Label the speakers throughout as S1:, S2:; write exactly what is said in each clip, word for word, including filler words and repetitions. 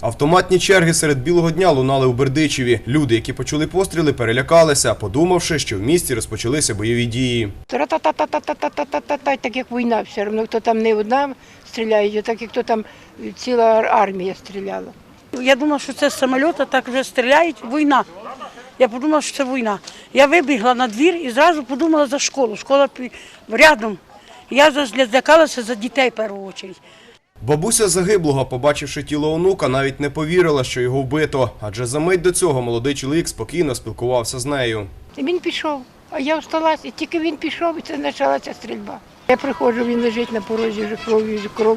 S1: Автоматні черги серед білого дня лунали у Бердичеві. Люди, які почули постріли, перелякалися, подумавши, що в місті розпочалися бойові дії.
S2: Тра-та-та-та-та-та-та-та-та, так як війна все одно, хто там не одна стріляє, так як хто там ціла армія стріляла.
S3: Я думала, що це з самоліта так вже стріляють, війна. Я подумала, що це війна. Я вибігла на двір і зразу подумала за школу. Школа рядом. Я злякалася за дітей в першу чергу.
S1: Бабуся загиблого, побачивши тіло онука, навіть не повірила, що його вбито. Адже за мить до цього молодий чоловік спокійно спілкувався з нею.
S2: Він пішов, а я всталася, і тільки він пішов, і це почалася стрільба. Я приходжу, він лежить на порозі, вже кров'ю, кров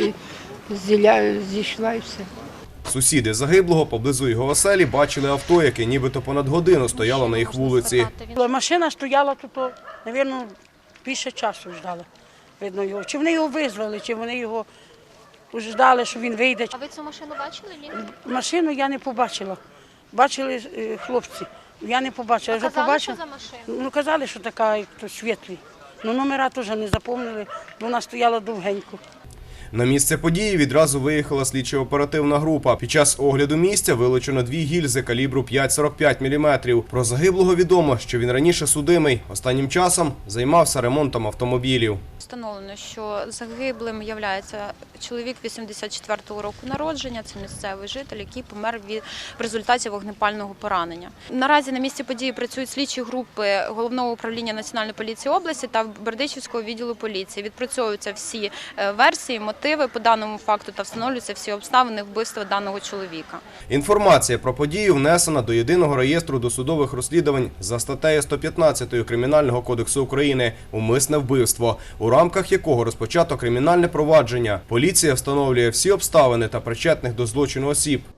S2: зійшла і все.
S1: Сусіди загиблого поблизу його оселі бачили авто, яке нібито понад годину стояло на їх вулиці.
S3: Машина стояла тут, мабуть, більше часу ждала. Видно його. Чи вони його визвали, чи вони його ждали, що він вийде.
S4: А ви цю машину бачили? Ні?
S3: Машину я не побачила. Бачили хлопці. Я не побачила.
S4: А
S3: Вже
S4: казали,
S3: побачила.
S4: що за машину?
S3: Ну, казали, що така, як то світлі. Ну, номера теж не запомнили, бо вона стояла довгенько.
S1: На місце події відразу виїхала слідчо-оперативна група. Під час огляду місця вилучено дві гільзи калібру п'ять цілих сорок п'ять міліметрів. Про загиблого відомо, що він раніше судимий. Останнім часом займався ремонтом автомобілів.
S4: Встановлено, що загиблим є чоловік вісімдесят четвертого року народження, це місцевий житель, який помер від, в результаті вогнепального поранення. Наразі на місці події працюють слідчі групи Головного управління Національної поліції області та Бердичівського відділу поліції. Відпрацьовуються всі версії, мотиви по даному факту та встановлюються всі обставини вбивства даного чоловіка.
S1: Інформація про подію внесена до Єдиного реєстру досудових розслідувань за статтею сто п'ятнадцять Кримінального кодексу України «Умисне вбивство», у рамках якого розпочато кримінальне провадження. Поліція встановлює всі обставини та причетних до злочину осіб.